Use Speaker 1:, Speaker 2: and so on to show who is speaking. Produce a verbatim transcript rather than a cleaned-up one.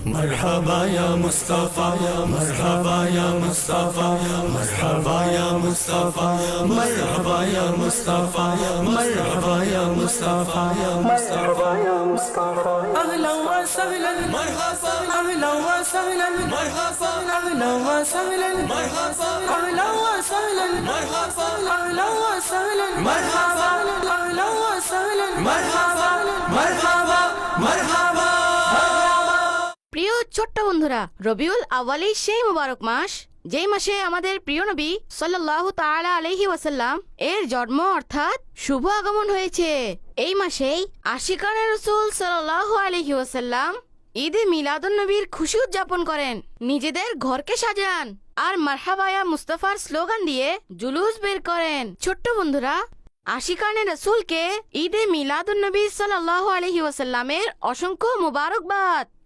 Speaker 1: مرحبا يا مصطفى مرحبا يا مصطفى مرحبا يا مصطفى مرحبا يا مصطفى مرحبا يا مصطفى مرحبا يا مصطفى
Speaker 2: أهلا وسهلا
Speaker 1: مرحبا
Speaker 2: أهلا وسهلا
Speaker 1: مرحبا
Speaker 2: أهلا وسهلا
Speaker 1: مرحبا
Speaker 2: أهلا وسهلا
Speaker 1: مرحبا
Speaker 2: أهلا وسهلا
Speaker 1: مرحبا
Speaker 2: أهلا وسهلا
Speaker 1: مرحبا مرحبا مرحبا
Speaker 3: প্রিয় ছোট্ট বন্ধুরা, রবিউল আউয়ালের সেই মুবারক মাস, যেই মাসে আমাদের প্রিয় নবী সাল্লাল্লাহু তাআলা আলাইহি ওয়াসাল্লাম এর জন্ম অর্থাৎ শুভ আগমন হয়েছে। এই মাসেই আশিকানে রাসূল সাল্লাল্লাহু আলাইহি ওয়াসাল্লাম ঈদে মিলাদুন নবীর খুশি উদযাপন করেন, নিজেদের ঘরকে সাজান আর মারহাবা ইয়া মুস্তাফার স্লোগান দিয়ে জুলুস বের করেন। ছোট্ট বন্ধুরা, আশিকানে রাসূলকে ঈদে মিলাদুন নবী সাল্লাল্লাহু আলাইহি ওয়াসাল্লামের অসংখ্য মুবারকবাদ।